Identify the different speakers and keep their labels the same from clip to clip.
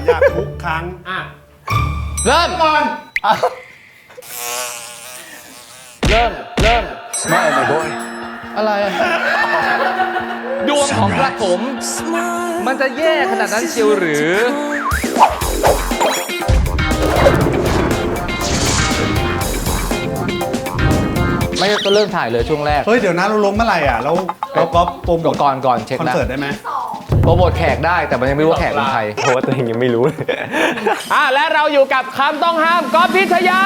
Speaker 1: อยากทุกครั้ง
Speaker 2: เริ่ม
Speaker 1: ก่อน
Speaker 2: เริ่ม
Speaker 1: ไม่ไม่โดน
Speaker 2: อะไรดวงของกระผมมันจะแย่ขนาดนั้นเชียวหรือไม่ก็เริ่มถ่ายเลยช่วงแรก
Speaker 1: เฮ้ยเดี๋ยวนะเราลงเมื่อไหร่อ่ะแล้วก็โปรโมท
Speaker 2: ก่อนเช็ค
Speaker 1: คอน
Speaker 2: นะ
Speaker 1: เสิร์ตได้ไหม
Speaker 2: โปรโมทแขกได้แต่มันยังไม่รู้ว่าแขกเป็นใคร
Speaker 3: เพราะว่าตัวเองยังไม่รู้เลย
Speaker 2: และเราอยู่กับคำต้องห้ามก๊อฟพิชยา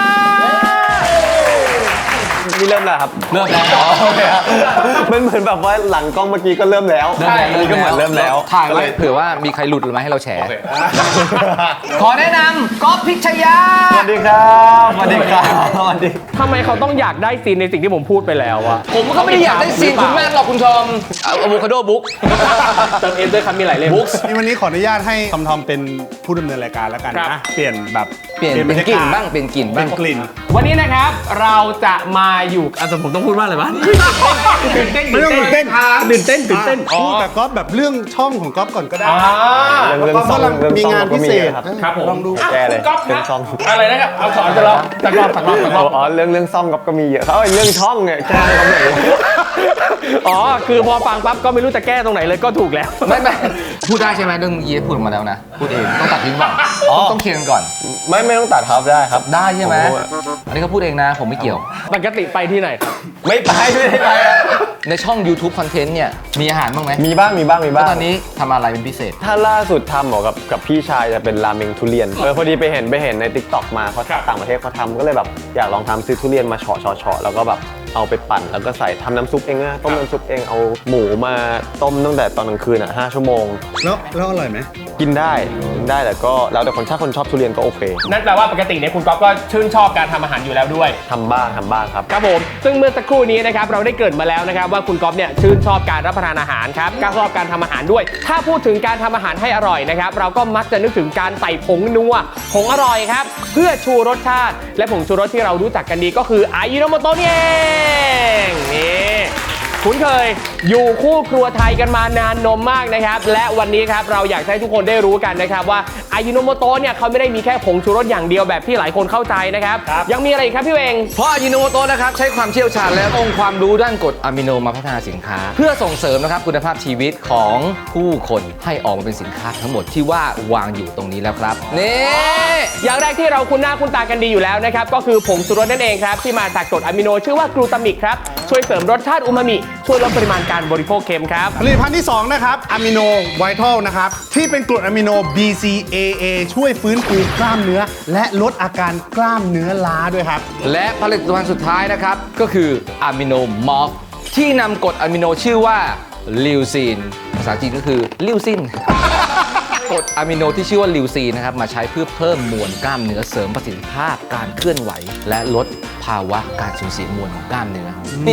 Speaker 3: นี่เริ่มแล้วครับ
Speaker 2: เริ่มแล้ว
Speaker 3: โอเคครับมันเหมือนแบบว่าหลังกล้องเมื่อกี้ก็เริ่มแล้วอันนี้ก็เหมือนเริ่มแล้ว
Speaker 2: ถ่ายไว้เผื่อว่ามีใครหลุดหรือไม่ให้เราแฉขอแนะนำก๊อฟพิชยา
Speaker 3: สวัสดีครับสวัสดีครับสวัสดี
Speaker 4: ทำไมเขาต้องอยากได้ซีนในสิ่งที่ผมพูดไปแล้วอะ
Speaker 2: ผมก็ไม่ได้อยากได้ซีนคุณมากหรอกคุณทอมอะโวคาโดบุ๊ก
Speaker 4: เติมเอ็นด้วยครับมีหลายเล่ม
Speaker 2: บุ๊ก
Speaker 1: นี่วันนี้ขออนุญาตให้ทอมเป็นผู้ดำเนินรายการแล้วกันนะเปลี่ยน
Speaker 2: เป็นกลิ่นบ้างเป็นกลิ่นบ้าง
Speaker 1: เป็นกลิ่น
Speaker 4: วันนี้นะครับเราจะมาอยู่ผมต้องพูดว่าอะไรบ้างตื่นเต้น
Speaker 1: ไม่ต้องตื่นเต้น
Speaker 4: อ๋อ
Speaker 1: แต่ก๊อฟแบบเรื่องช่องของก๊อฟก่อนก็ได้
Speaker 3: เรื่องซ่อง
Speaker 1: มีงานพิเศษ
Speaker 4: ครับผม
Speaker 1: ลองดู
Speaker 3: แกเลย
Speaker 4: เรื่อง
Speaker 3: ซ่อง
Speaker 4: อะไรนะครับเอาสอนจะรอตักรอบ
Speaker 3: อ๋อเรื่องซ่องก็มีเยอะเขาเรื่องช่องเนี่ยแก้ตรงไหน
Speaker 4: อ๋อคือพอฟังปั๊บก็ไม่รู้จะแก้ตรงไหนเลยก็ถูกแล้ว
Speaker 2: ไม่พูดได้ใช่ไหมเรื่องยีพูดมาแล้วนะพูดเองต้องตัดทิ้งก่อนต้องเคลียร์กันก่อน
Speaker 3: ไม่ต้องตัดครับได้ครับ
Speaker 2: ได้ใช่ไหมอันนี้ก็พูดเองนะผมไม่เกี่ยว
Speaker 4: ปกติไปที่ไหนครับ
Speaker 3: ไม่ไป
Speaker 2: ในช่อง YouTube Content เนี่ยมีอาหารบ้างไหม
Speaker 3: มีบ้าง
Speaker 2: ตอนนี้ทำอะไรเป็นพิเศษ
Speaker 3: ถ้าล่าสุดทำเหรอกับพี่ชายจะเป็นราเมงทุเรียนพอดีไปเห็นใน TikTok มาเขาต่างประเทศเขาทำก็เลยแบบอยากลองทำซื้อทุเรียนมาเฉาะแล้วก็แบบเอาไปปั่นแล้วก็ใส่ทำน้ำซุปเองนะต้มน้ำซุปเองเอาหมูมาต้มตั้งแต่ตอนกลางคืน5 ชั่วโมง
Speaker 1: แล้วอร่อยไหม
Speaker 3: กินได้แต่ก็แล้วแต่คนชอบทุเรียนก็โอเค
Speaker 4: นั่นแปลว่าปกติเนี่ยคุณก๊อฟก็ชื่นชอบการทำอาหารอยู่แล้วด้วย
Speaker 3: ทำบ้างครับ
Speaker 4: ครับผมซึ่งเมื่อสักครู่นี้นะครับเราได้เกริ่นมาแล้วนะครับว่าคุณก๊อฟเนี่ยชื่นชอบการรับประทานอาหารครับก็ชอบการทำอาหารด้วยถ้าพูดถึงการทำอาหารให้อร่อยนะครับเราก็มักจะนึกถึงการใส่ผงนัวผงอร่อยครับเพื่อชูรสชาติและผงชูรสที่เรารู้จักกันดีก็คืออายิโนโมโตะนี่เองนี่คุ้นเคยอยู่คู่ครัวไทยกันมานานนมมากนะครับและวันนี้ครับเราอยากให้ทุกคนได้รู้กันนะครับว่าอายิโนโมโตะเนี่ยเขาไม่ได้มีแค่ผงชูรสอย่างเดียวแบบที่หลายคนเข้าใจนะครับยังมีอะไรอีกครับพี่เวง
Speaker 2: เพราะอายิโนโมโตะนะครับใช้ความเชี่ยวชาญและองค์ความรู้ด้านกรดอะมิโนมาพัฒนาสินค้าเพื่อส่งเสริมนะครับคุณภาพชีวิตของผู้คนให้ออกมาเป็นสินค้าทั้งหมดที่ว่าวางอยู่ตรงนี้แล้วครับนี่
Speaker 4: อย่างแรกที่เราคุ้นหน้าคุ้นตากันดีอยู่แล้วนะครับก็คือผงชูรสนั่นเองครับที่มาจากกรดอะมิโนชื่อว่ากลูตามิกครับช่วยเสริมรสชาติอูมามิช่วยลดปริมาณการบริโภคเค็มครับ
Speaker 1: ผลิตภัณฑ์ที่2นะครับอะมิโนไวทัลนะครับที่เป็นกรดอะมิโน BCAA ช่วยฟื้นฟูกล้ามเนื้อและลดอาการกล้ามเนื้อล้าด้วยครับ
Speaker 2: และผลิตภัณฑ์สุดท้ายนะครับก็คืออะมิโนมอฟที่นำกรดอะมิโนชื่อว่าลิวซีนภาษาจีนก็คือลิวซินกรดอะมิโนที่ชื่อว่าลิวซีนนะครับมาใช้เพื่อเพิ่มมวลกล้ามเนื้อเสริมประสิทธิภาพการเคลื่อนไหวและลดภาวะการสูญเสียมวลของกล้ามเนื้อ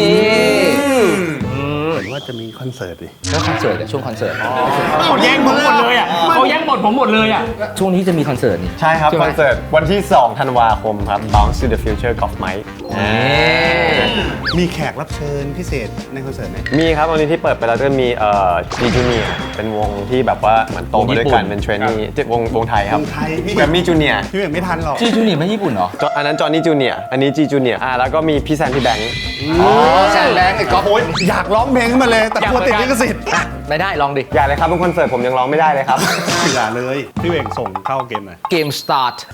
Speaker 1: ว่าจะมีคอนเสิร์ตดิ
Speaker 2: แล้วคอนเสิร์ตช่วงคอนเสิร์ต
Speaker 4: เขาแย่งผมหมดเลยอ่ะเขาแย่งบทผมหมดเลยอ่ะ
Speaker 2: ช่วงนี้จะมีคอนเสิร์ตนี่
Speaker 3: ใช่ครับคอนเสิร์ตวันที่2 ธันวาคมครับ Bounce to the Future Golf Mike
Speaker 1: มีแขกรับเชิญพิเศษในคอนเสิร์ตไหม
Speaker 3: มีครับวันนี้ที่เปิดไปแล้วก็มีG Junior เป็นวงที่แบบว่าเหมือนโตมาด้วยกันเป็นเทรนนี่วงไทยครับแกรมมี่จูเนียร์
Speaker 1: พี่ไม่ทันหรอก
Speaker 2: G Junior ไม่ญี่ปุ่นเหรอ
Speaker 3: อันนั้นจอห์นนี่จูเนียร์อันนี้ G Junior แล้วก็มีพี่แซนพี่แบงค์
Speaker 2: แซนแบงค์ไอ้ก๊อฟ
Speaker 1: อยากร้องเพลงขึ้นมาเลยแต่กลัวติดลิขสิทธิ์
Speaker 2: ไม่ได้ลองดิ
Speaker 3: อย่าเลยครับเป็นคอนเสิร์ตผมยังร้องไม่ได้เลยครับ
Speaker 1: อย่าเลยพี่เวงส่งเข้าเกมหน่อย
Speaker 2: เกมสตาร์ท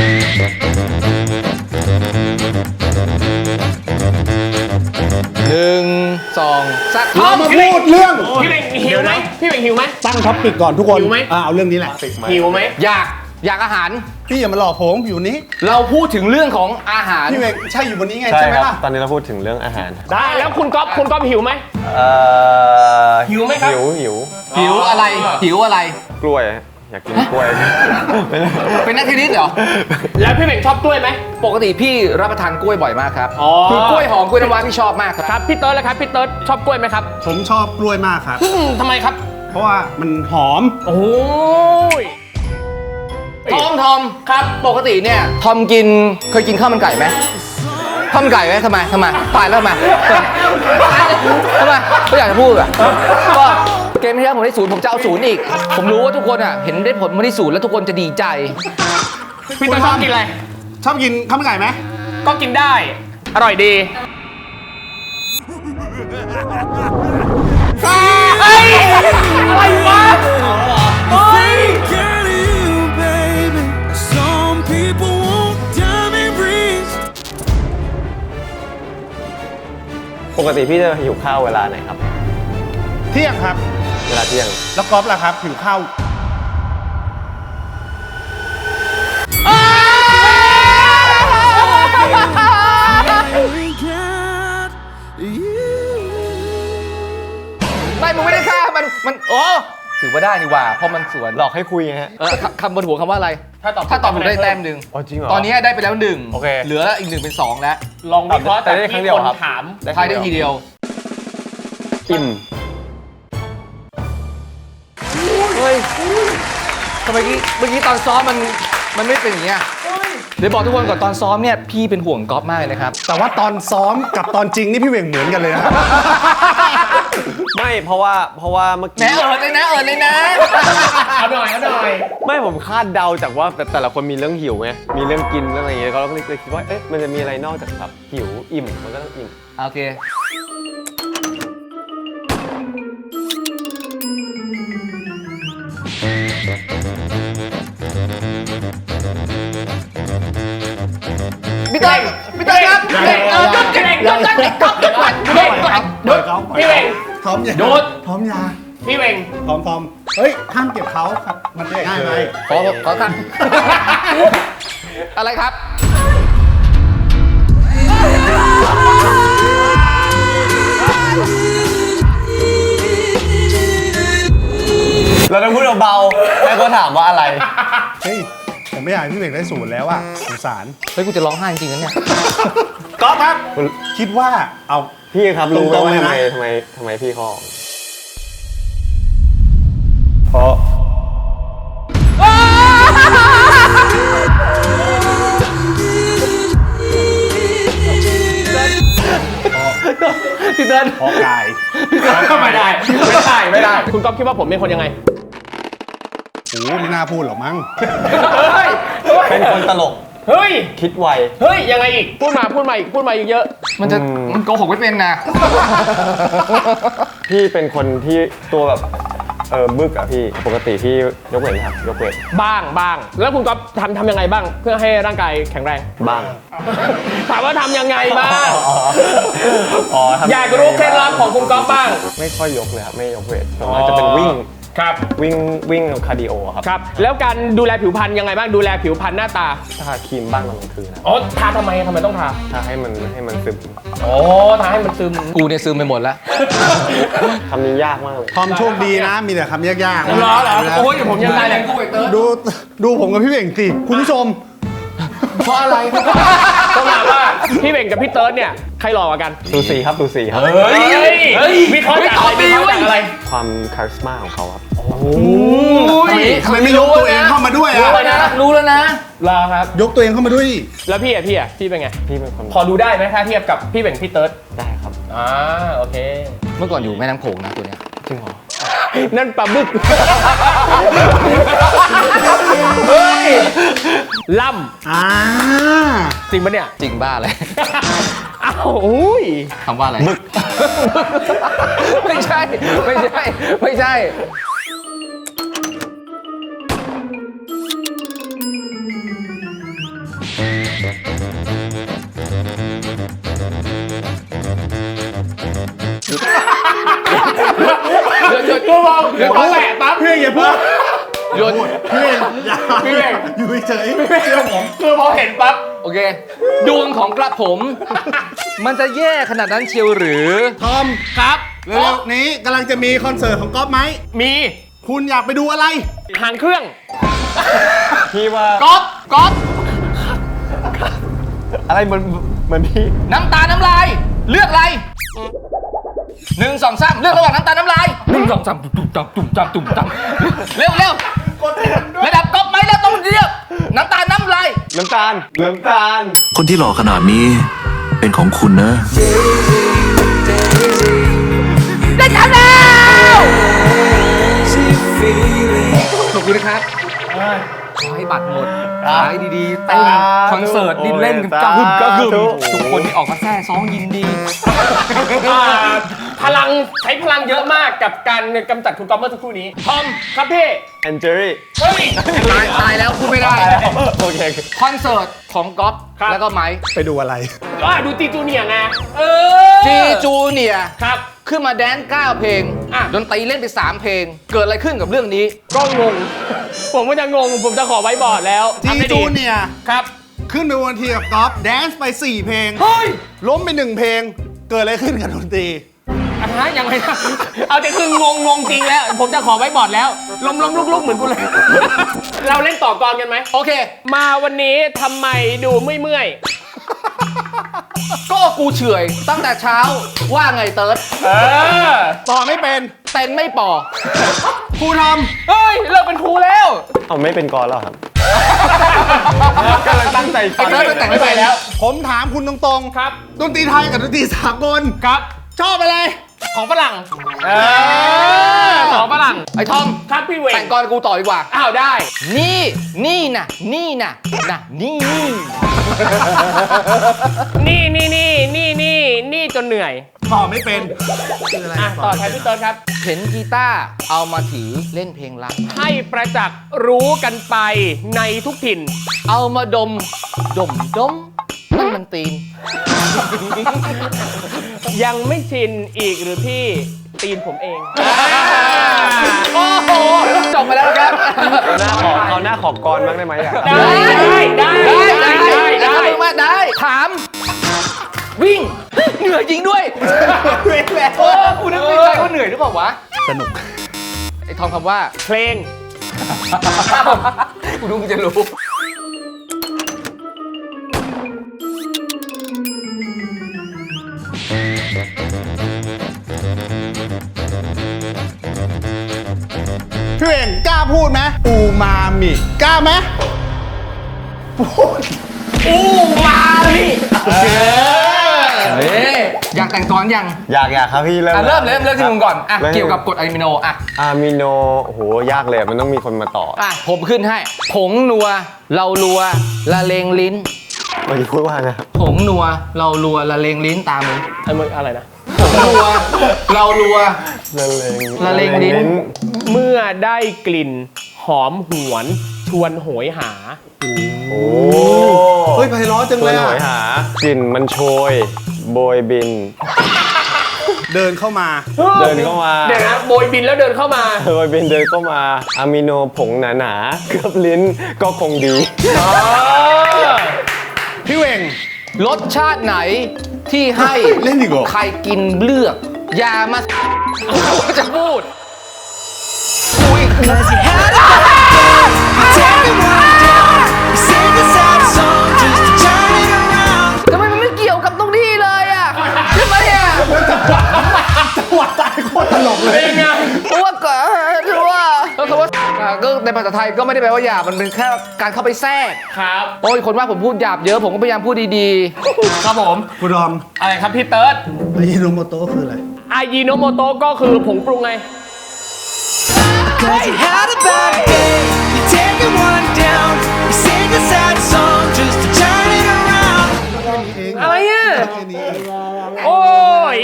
Speaker 2: 1 2 3
Speaker 1: เรามาพูดเรื่อง
Speaker 4: พี่เวงหิวไหมพี่เวงหิวไหม
Speaker 1: ตั้งท็อปปิกก่อนทุกคน
Speaker 4: หิวไหม
Speaker 1: เอาเรื่องนี้แหละ
Speaker 4: หิวไหม
Speaker 2: อยากอาหาร
Speaker 1: พี่อย่ามาหลอกผมอยู่นี้
Speaker 2: เราพูดถึงเรื่องของอาหาร
Speaker 1: พี่เวงใช่อยู่บนนี้ไงใช่ไหมล่ะ
Speaker 3: ตอนนี้เราพูดถึงเรื่องอาหาร
Speaker 4: ได้แล้วคุณก๊อฟหิวไหมหิวไหมครับ
Speaker 2: หิวอะไร
Speaker 3: กล้วยอยากกินกล้วย
Speaker 2: เป็นนักเทนนิสเหรอ
Speaker 4: แล้วพี่เบ่งชอบกล้วยไหม
Speaker 2: ปกติพี่รับประทานกล้วยบ่อยมากครับคือกล้วยหอมกล้วยน้ำว้าพี่ชอบมาก
Speaker 4: ครับพี่เติร์ดแล้วครับพี่เติร์ดชอบกล้วยไหมครับ
Speaker 1: ผมชอบกล้วยมากครับ
Speaker 4: ทำไมครับ
Speaker 1: เพราะว่ามันหอม
Speaker 4: โอ้ย
Speaker 2: ทอมครับปกติเนี่ยทอมเคยกินข้าวมันไก่ไหมข้าวมันไก่ไหมทำไมตายแล้วทำไมก็อยากจะพูดอ่ะก็เกมที่แล้วผมได้0ผมจะเอา0อีก ผมรู้ว่าทุกคนอ่ะเห็นได้ผลมาที่0แล้วทุกคนจะดีใจ
Speaker 4: พี่เติร์ดชอบกินอะไร
Speaker 1: ชอบกินข้าวมันไก่ไหม
Speaker 4: ก็กินได้ อร่อยดีเฮ้ยอะไรวะเฮ้ย
Speaker 5: Girl, you, baby. Some people want diamond rings.
Speaker 3: ปกติพี่จะหิวข้าวเวลาไหนครับ
Speaker 1: เที่ยงครับ
Speaker 3: เวลาเที่ยง
Speaker 1: แล้วก๊อฟล่ะครับหิวข้าว
Speaker 5: I got you.
Speaker 2: ไม่มึงไม่ได้ฆ่ามันโอ้ถือว่าได้นี่หว่าเพราะมันสวน
Speaker 3: หลอกให้คุยไงฮะ
Speaker 2: คำบนหัวคำว่าอะไร
Speaker 4: ถ้าตอบ
Speaker 2: ถูกได้แต้มหนึ่ง
Speaker 3: อ๋อจริงเหรอ
Speaker 2: ตอนนี้ได้ไปแล้วหนึ่ง
Speaker 3: โอเค
Speaker 2: เหลืออีก1เป็น2แล้ว
Speaker 4: ลองวิเคราะห์
Speaker 3: แต่
Speaker 4: จาก
Speaker 3: ได้ครั้ง
Speaker 4: ที่
Speaker 3: เดียว
Speaker 4: คน
Speaker 3: ครับ
Speaker 4: ถาม
Speaker 2: ทายได้ทีเดียว
Speaker 3: อิ่ม
Speaker 2: เฮ้ยทำไมเมื่อกี้ตอนซ้อมมันไม่เป็นอย่างเงี้ยเดี๋ยวบอกทุกคนก่อนตอนซ้อมเนี่ยพี่เป็นห่วงก๊อฟมากเลยนะครับ
Speaker 1: แต่ว่าตอนซ้อมกับตอนจริงนี่พี่เหว่งเหมือนกันเลยนะ
Speaker 3: ไม่เพราะว่าเมื่อ
Speaker 2: แหน
Speaker 3: กี้
Speaker 2: เอิดเลยนะ
Speaker 4: เอาหน่อย
Speaker 3: ไม่ผมคาดเดาจากว่าแต่ละคนมีเรื่องหิวไงมีเรื่องกินเรื่องอะไรอย่างเงี้ยก็เลยคิดว่าเอ๊ะมันจะมีอะไรนอกจากแบบหิวอิ่มมันก็ต้องอิ่ม
Speaker 2: โอเคพี่เต้ครับหยุดก๊อฟหยุดก่อน
Speaker 4: พี่เวง
Speaker 1: พร้อมยา
Speaker 4: โดด
Speaker 1: พร้อมยา
Speaker 4: พี่เวง
Speaker 1: พร้อมเฮ้ยห้ามเก็บเขาครับ มันง่ายไหม
Speaker 2: ขอตั้งอะไรครับ
Speaker 3: เราต้องพูดเบาๆแล้วก็ถามว่าอะไร
Speaker 1: เฮ้ยผมไม่อยากให้พี่เหว่งได้0แล้วอ่ะสงสาร
Speaker 2: เฮ้ยกูจะร้องไห้จริงๆนะเนี่ย
Speaker 1: ก๊อฟครับ คิดว่าเอา
Speaker 3: พี่ครับรู้ไหม
Speaker 1: ตรงๆ
Speaker 3: ว่า
Speaker 1: เลยนะ
Speaker 3: ทำไมพี่เขาออกเพราะ
Speaker 2: พี่เติ้ล
Speaker 1: เพราะกาย
Speaker 4: ไม่ได้ คุณก๊อฟคิดว่าผมเป็นคนยังไง
Speaker 1: โอ้ไม่น่าพูดหรอกมั้ง
Speaker 4: เฮ้ย
Speaker 3: เป็นคนตลก
Speaker 4: เฮ้ย
Speaker 3: คิดไว
Speaker 4: เฮ้ย ยังไงอีก พูดมาอีกเยอะ
Speaker 2: มันโกหกไม่เป็นนะ
Speaker 3: พี่เป็นคนที่ตัวแบบบึกอะพี่ปกติพี่ยกเวทไหมครับยกเวท
Speaker 4: บ้าง แล้วคุณก๊อฟทำยังไงบ้าง เพื่อให้ร่างกายแข็งแรง
Speaker 3: บ้าง
Speaker 4: ถามว่าทำยังไงบ้าง
Speaker 3: อ๋อทำ
Speaker 4: อยากรู้เคล็ดลับของคุณก๊อฟบ้าง
Speaker 3: ไม่ค่อยยกเลยครับไม่ยกเวทส่วนมากจะเป็นวิ่ง
Speaker 4: ครับ
Speaker 3: วิ่งคาร์ดิโอครับ
Speaker 4: ครับ แล้วการดูแลผิวพรรณยังไงบ้าง ดูแลผิวพรรณหน้าตา
Speaker 3: ทาครีมบ้างตอนกลางคืนนะ
Speaker 4: อ๋อ ทาทำไมต้องทา
Speaker 3: ทาให้มันซึม
Speaker 4: อ๋อ ทาให้มันซึม
Speaker 2: กูเนี่ยซึมไปหมดแล้ว
Speaker 3: คำนี้ยากมากเลย
Speaker 1: ทอมโชคดีนะ มีแต่คำยากๆ
Speaker 4: เหรอโอ้ยเดี๋ยวผมยังไงเลย
Speaker 1: ดูผมกับพี่เหว่งสิคุณผู้ชม
Speaker 2: เพราะอะไร
Speaker 4: ต้องถามว่าพี่เบ่งกับพี่เติร์ดเนี่ย ใครหล่อกว่ากัน
Speaker 3: สูสีครับ
Speaker 4: เฮ้ยวิเคราะห์จากอะไร
Speaker 3: ความคาริสมาของเขาครับ
Speaker 1: ทำไมไม่ยกตัวเองเข้ามาด้วยอ่ะ
Speaker 2: รู้แล้วนะ
Speaker 4: รอครับ
Speaker 1: ยกตัวเองเข้ามาด้วยดิ
Speaker 4: แล้วพี่เป็นไง
Speaker 3: พี่เป็นคน
Speaker 4: พอดูได้ไหมถ้าเทียบกับพี่เบ่งพี่เติร์ด
Speaker 3: ได้ครับ
Speaker 4: โอเค
Speaker 2: เมื่อก่อนอยู่แม่น้ำโขงนะตัวเนี้ย
Speaker 3: จริงเหรอ
Speaker 4: นั่นปลาบึกเฮ้ยล่
Speaker 1: อ่า
Speaker 4: ำจริงปะเนี่ย
Speaker 2: จริงบ้าเลย
Speaker 4: อ้าวอุ้ย
Speaker 2: คำว่าอะไรไม่ใช่ หยุด
Speaker 4: ตัวมองเดี๋ยวเขาแตะปั๊บ
Speaker 1: พี่เหว่งอย่าพูด
Speaker 2: หยุด
Speaker 1: พี่เหว่งอย่า
Speaker 4: พี่เหว่ง
Speaker 1: อยู่เฉยๆเชื่อผม
Speaker 4: คือพอเห็นปั๊บ
Speaker 2: โอเค ดวงของกระผม มันจะแย่ขนาดนั้นเชียวหรือ
Speaker 1: ทอม
Speaker 4: ครับ
Speaker 1: เร็วๆนี้กำลังจะมีคอนเสิร์ตของก๊อฟไหม
Speaker 4: มี
Speaker 1: คุณอยากไปดูอะไร
Speaker 4: หางเครื่อง
Speaker 3: พี่ว่า
Speaker 2: ก๊อฟ
Speaker 3: อะไรเหมือนพี่
Speaker 2: น้ำตาน้ำลาย เลือกอะไร1 2 3เลือกระหว่างน้ำตาน้ำลาย1 2 3ตุ่มตำเร็วระดับก๊อฟไหมแล้วต้องเลือกน้ำตาน้ำลาย
Speaker 3: น้ำตาล
Speaker 5: คนที่หล่อขนาดนี้เป็นของคุณนะ
Speaker 2: ได้ทำแล้ว
Speaker 5: feeling.
Speaker 2: ขอบคุณนะครับขอให้บัตรหมดขายดีๆเต้นคอนเสิร์ตดินเล่นกันกระหึ่มกระหึ่มทุกคนที่ออกมาแซ่ซ้องยินดี
Speaker 4: พลังใช้พลังเยอะมากกับการกำจัดคุณก๊อฟเมื่อสักครู่นี้ทอมครับพี่
Speaker 3: แอนเจอรี่
Speaker 4: เฮ้ย
Speaker 2: ตายแล้วพูดไม่ได้
Speaker 3: โอเค
Speaker 2: คอนเสิร์ตของก๊อฟ
Speaker 4: ครับ
Speaker 2: แล้วก็ไมค์
Speaker 1: ไปดูอะไร
Speaker 4: ดูจีจูเนียร์ไง
Speaker 2: จีจูเนียร์
Speaker 4: ครับ
Speaker 2: ขึ้นมาแดนซ์9เพลง
Speaker 4: อ่ะ
Speaker 2: ดนตรีเล่นไป 3 เพลง เกิดอะไรขึ้นกับเรื่องนี้
Speaker 4: ก็งง ผมก็จะงง ผมจะขอไว้บอร์ดแล้ว
Speaker 1: จี
Speaker 4: ทำให้
Speaker 1: จู
Speaker 4: ดี
Speaker 1: เนียร์
Speaker 4: ครับ
Speaker 1: ขึ้นไปบนเวทีกับก๊อฟแดนซ์ไป 4 เพลง
Speaker 4: เฮ้ย
Speaker 1: ล้มไป 1 เพลง เกิดอะไรขึ้นกับดนตรี
Speaker 4: ยังไงนะ เอาแต่คืองงจริงแล้ว ผมจะขอไว้บอร์ดแล้ว ล้มลุกเหมือนกูเลย เราเล่นต่อกรกันไหม
Speaker 2: โอเค
Speaker 4: มาวันนี้ทำไมดูเมื่อย
Speaker 2: ก็กูเฉอยตั้งแต่เช้าว่าไงเติร์ด
Speaker 1: ต่อไม่เป็น
Speaker 2: เต้นไม่ปอ
Speaker 1: ครูท
Speaker 4: เฮ้ย เลิกเป็นครูแล้ว
Speaker 3: เอาไม่เป็นกรแล้วครับ กำลังตั้งใจฟั
Speaker 2: ไอ้
Speaker 3: ง
Speaker 2: เติร์ดมันแต่งไม่ไปแล้ว
Speaker 1: ำผมถามคุณตรง
Speaker 4: ครับ
Speaker 1: ๆ ดนตรีไทยกับดนตรีสากล
Speaker 4: ครับ
Speaker 1: ชอบอะไร
Speaker 4: ของฝรั่งของฝรั่ง
Speaker 2: ไอ้ทอม
Speaker 4: ครับพี่เวง
Speaker 2: แต่งกรกูต่อดีกว่า
Speaker 4: อ้าวได้
Speaker 2: นี่น่ะนี่
Speaker 4: นี่จนเหนื่อย
Speaker 1: ต่อไม่เป็นคืออะไร
Speaker 4: ต่อแทนพี่เติร์ดครับ
Speaker 2: เห็นกีตาร์เอามาถือเล่นเพลงรัก
Speaker 4: ให้ประจักษ์รู้กันไปในทุกถิ่น
Speaker 2: เอามาดมนั่นมันตีน
Speaker 4: ยังไม่ชินอีกหรือพี่ตีนผมเอง
Speaker 2: โอ้โหจบไปแล้วครับ
Speaker 3: เอาหน้าขอกรบ้างได้ไหมอ่ะ
Speaker 2: ได้ถาม วิ่งเหนื่อยจริงด้วยโอ้คุณนึกในใจว่าเหนื่อยหรือเปล่าวะ
Speaker 1: สนุก
Speaker 2: ไอ้ทองคำว่า
Speaker 4: เพลง
Speaker 2: กูดูมึงจะรู้
Speaker 1: พี่เองกล้าพูดไหมอูมามิกล้าไหมพูด
Speaker 2: อู้มาพี่อยากแต่งกลอนยัง
Speaker 3: อยากครับพี่เริ่ม
Speaker 2: เริ่มที่มึงก่อนอ่ะ
Speaker 3: ริ่ม
Speaker 2: เกี่ยวกับกรดอะมิโนอ่ะ
Speaker 3: อะมิโนโอ้โหยากเลยมันต้องมีคนมาต่อ
Speaker 2: อ่ะผมขึ้นให้ผงนัวเรารัวละเลงลิ้น
Speaker 3: เมื่อกี้พูดว่าไงครับ
Speaker 2: ผงนัวเรารัวละเลงลิ้นตามมึง
Speaker 4: อะไรนะ
Speaker 2: ผงนัวเรารัว
Speaker 3: ละเลง
Speaker 2: ลิ้น
Speaker 4: เมื่อได้กลิ่นหอมหวนชวนโหยหา
Speaker 3: โอ้
Speaker 1: เฮ้ยไพเราะจัง
Speaker 3: ตั
Speaker 1: เล
Speaker 3: วย หน่
Speaker 1: อะ
Speaker 3: อยหากลิ่นมันโชยโบยบิน
Speaker 1: เดินเข้ามา
Speaker 3: เดินเข้ามา
Speaker 4: เดี๋ยวนะโบยบินแล้วเดินเข้ามา
Speaker 3: โบยบินเดินเข้ามาอะมิโนผงหนาๆเกือบลิ้นก็คงดี
Speaker 1: พี่เวง
Speaker 2: รสชาติไหนที่ให้
Speaker 1: เล่นอีกเหรอ
Speaker 2: ใครกินเลือก อย่ามาจะพูด
Speaker 5: Cause you had a bad day. You take it one down. You sing a sad song just to turn it around.
Speaker 2: ทำไมมันไม่เกี่ยวกับตรงนี้เลยอ่ะใช่ไหมอ่ะ
Speaker 1: จังหวะตายโคตรตลกเลย
Speaker 2: เพราะว่าก็คือว่าก็ในภาษาไทยก็ไม่ได้แปลว่าหยาบมันเป็นแค่การเข้าไปแทรก
Speaker 4: ครับ
Speaker 2: โอ้ยคนว่าผมพูดหยาบเยอะผมก็พยายามพูดดี
Speaker 4: ครับผม
Speaker 1: คุณดอม
Speaker 4: อะไรครับพี่เติร์ด
Speaker 1: อายิโนโมโตะคืออะไร
Speaker 4: อายิโนโมโตะก็คือผงปรุงไง
Speaker 5: Cause you had a bad day. You take it one down. You sing a sad song just to turn it around.
Speaker 4: อะไรอ่ะ
Speaker 1: แค่นี้เอง
Speaker 4: โอ้ย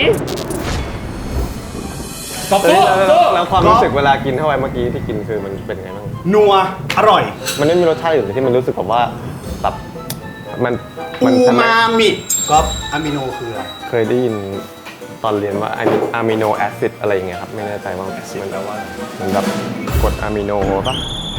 Speaker 4: ตบ
Speaker 3: เอ้
Speaker 4: ตู้
Speaker 3: ยแล้วความรู้สึกเวลากินเข้าไปเมื่อกี้ที่กินคือมันเป็นไงบ้าง
Speaker 1: นัว อร่อย มัน
Speaker 3: มันไม่มีรสชาติอื่นเลยที่มันรู้สึกแบบว่าแบบมัน
Speaker 1: อู
Speaker 3: ทำไม
Speaker 1: มามิก๊อฟอะมิโนคืออะไร
Speaker 3: เคยได้ยินตอนเรียนว่าอะมิโนแอซิดอะไรอย่างเงี้ยครับไม่แน่ใจว่ามันแปลว่ามันแบบกรดอะมิโนป่ะ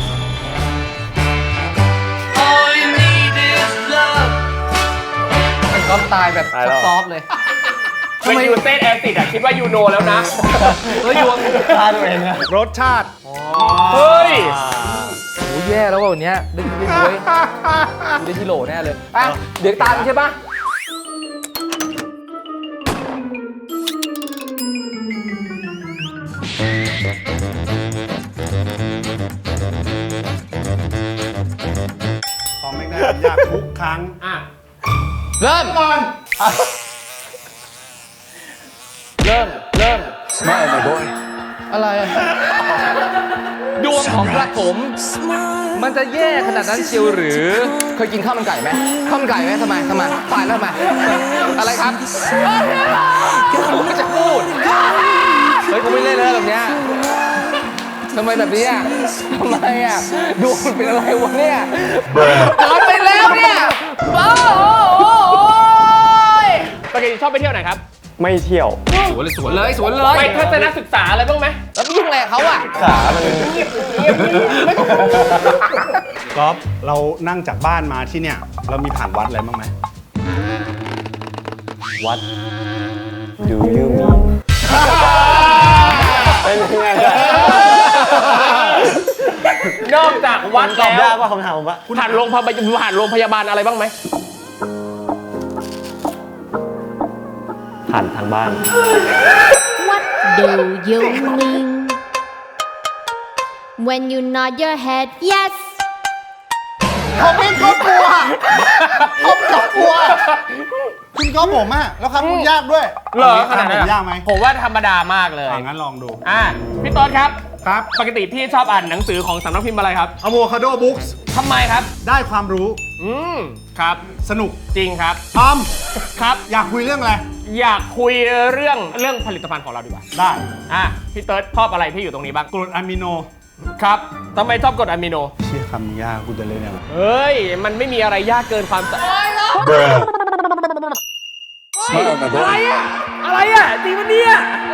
Speaker 2: ๆมันก็ตายแบบซอฟๆเลย
Speaker 4: เป็นยูเต้นแอซิดอะคิดว่ายูโนแล้วนะ
Speaker 2: เฮ้ยอยู่
Speaker 3: ชาติตัวเองอะ
Speaker 1: รสชาติ
Speaker 4: เฮ้ย
Speaker 2: โอ้แย่แล้วว่ะวันเนี้ยได้ด้วยได้ที่โหลแน่เลยอ่ะเดี๋ยวตามใช่ปะ
Speaker 1: ตอบไม่ได้ผมอยากทุกครั้ง
Speaker 2: เริ่มก่อนเริ่มอะไรอะดวงของกระผมมันจะแย่ขนาดนั้นเชียวหรือ เคยกินข้าวมันไก่ไหมข้าวมันไก่ไหมทำไมตายแล้วทำไมอะไรครับผมจะพูดเฮ้ยกูไม่เล่นแล้วแบบเนี้ยทำไมแบบนี้อ่ะทำไมอ่ะดวงมันเป็นอะไรวะเนี่ยตอนไปแล้วเนี่ยโอ้ย
Speaker 4: ปกติชอบไปเที่ยวไหนครับ
Speaker 3: ไม่เที่ยว
Speaker 2: สวนเลย
Speaker 4: ไปทัศนศึกษาอะไรบ้างไหม
Speaker 2: แล้วไปยุ่งอะไรกับเขาอ่ะ
Speaker 3: ขามัน
Speaker 1: ก๊อฟเรานั่งจากบ้านมาที่เนี่ย เรามีผ่านวัดอะไรบ้างไหม
Speaker 3: วัด Do you mean เป็นยังไงล่ะ
Speaker 4: นอกจากวัด
Speaker 3: ตอบ
Speaker 4: แล้
Speaker 3: ยาว กว่าคำถามผมว่า
Speaker 4: ผ่านโรงพยาบาลอะไรบ้างไหม
Speaker 3: ผ่านทางบ้าน
Speaker 6: What do you mean when you nod your head yes
Speaker 1: ผมเป็นครอบครัวผมครอบครัวคุณก็ผมอะแล้วครับคุณยากด้วย
Speaker 4: เหรอขนาด
Speaker 1: ผ
Speaker 4: นั้น
Speaker 1: ม
Speaker 4: อะ
Speaker 1: ยากไหม
Speaker 4: ผมว่าธรรมดามากเลย
Speaker 1: งั้นลองดู
Speaker 4: พี่ต้นครับ
Speaker 1: ครับ
Speaker 4: ปกติพี่ชอบอ่านหนังสือของสำนักพิมพ์อะไรครับ
Speaker 1: Avocado Books
Speaker 4: ทำไมครับ
Speaker 1: ได้ความรู้
Speaker 4: ครับ
Speaker 1: สนุก
Speaker 4: จริงครับ
Speaker 1: ทอม
Speaker 4: ครับ
Speaker 1: อยากคุยเรื่องอะไร
Speaker 4: อยากคุยเรื่องผลิตภัณฑ์ของเราดีกว่า
Speaker 1: ได้
Speaker 4: พี่เติร์ดชอบอะไรที่อยู่ตรงนี้บ้าง
Speaker 1: กรดอะมิโน
Speaker 4: ครับทำไมชอบกรดอะมิโน
Speaker 1: เชี่ยคำยากกูจะเล่นอะไร
Speaker 4: เฮ้ย มันไม่มีอะไรยากเกินความอะไรอ่ะ อะไรอ่ะจริงปะเนี่ย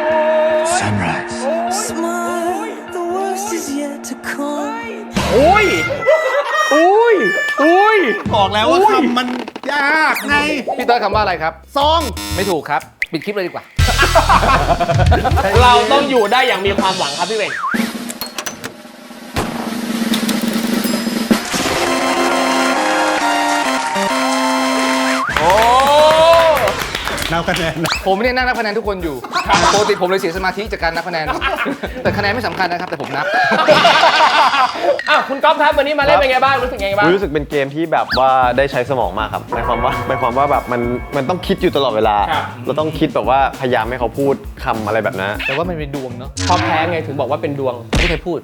Speaker 5: Smile, the worst is yet to come.
Speaker 4: โอ้ยอุ้ยอุ้ย
Speaker 1: บอกแล้วว่าคำมันยากไง
Speaker 2: พี่เต้ยคำว่าอะไรครับ
Speaker 1: ซอง
Speaker 2: ไม่ถูกครับ ปิดคลิปเลยดีกว่า
Speaker 4: เราต้องอยู่ได้อย่างมีความหวังครับพี่เวงโอ้
Speaker 1: นับคะแนนนะ
Speaker 2: ผมเนี่ยนั่งนับคะแนนทุกคนอยู่ปกติผมเลยเสียสมาธิจากการนับคะแนน แต่คะแนนไม่สำคัญนะครับ แต่ผมนับ
Speaker 4: คุณก๊อฟครับวันนี้มาเล่นเป็นไงบ้างรู้สึกไงบ้าง
Speaker 3: รู้สึกเป็นเกมที่แบบว่าได้ใช้สมองมากครับหมายความว่าแบบมันต้องคิดอยู่ตลอดเวลา
Speaker 4: ครับ
Speaker 3: เราต้องคิดแบบว่าพยายามให้เขาพูดคำอะไรแบบนั้น
Speaker 2: แต่ว่ามันเป็นดวงเนาะ
Speaker 4: พอแพ้ไงถึงบอกว่าเป็นดวง
Speaker 2: ไม่เคยพูด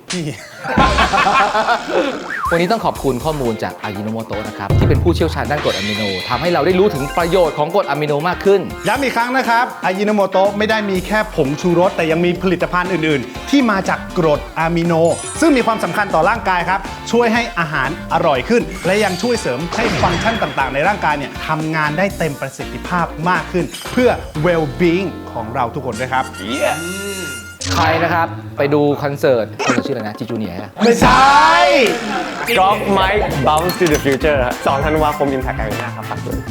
Speaker 2: วันนี้ต้องขอบคุณข้อมูลจากอายิโนโมโตะนะครับ ที่เป็นผู้เชี่ยวชาญด้านกรดอะมิโนทำให้เราได้รู้ถึงประโยชน์ของกรดอะมิโนมากขึ้น
Speaker 1: ย้ำอีกครั้งนะครับอายิโนโมโตะไม่ได้มีแค่ผงชูรสแต่ยังมีผลิตภัณฑ์อื่น ๆ ที่มาจากกรดอะมิโน ซึ่งมีความสำคัญต่อร่างกายครับ ช่วยให้อาหารอร่อยขึ้น และยังช่วยเสริมให้ฟังก์ชันต่าง ๆ ในร่างกายเนี่ยทำงานได้เต็มประสิทธิภาพมากขึ้น เพื่อ well-being ของเราทุกคนด้วยครับ
Speaker 2: ใครนะครับ ไปดูคอนเสิร์ตชื่ออะไรนะจีจูเนียร์
Speaker 1: ไม่ใช่
Speaker 3: Golf Mike Bounce to the Future ครับ2 ธันวาคม Impact Arena ครับฝากด้วย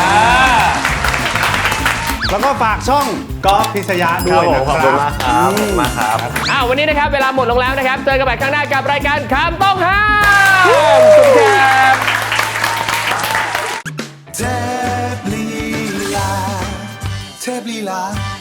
Speaker 1: แล้วก็ฝากช่องกอล์ฟพิษยะด้วยนะ
Speaker 3: ขอบ
Speaker 1: ค
Speaker 3: คุ
Speaker 1: รั
Speaker 3: ณ
Speaker 1: บ
Speaker 3: มากครับขอบคุณมากครับ
Speaker 4: วันนี้นะครับเวลาหมดลงแล้วนะครับ เจอกันใหม่ครั้งหน้ากับรายการคำต้องห้ามสวัสดีครับ
Speaker 5: Tab Lila, Tab Lila.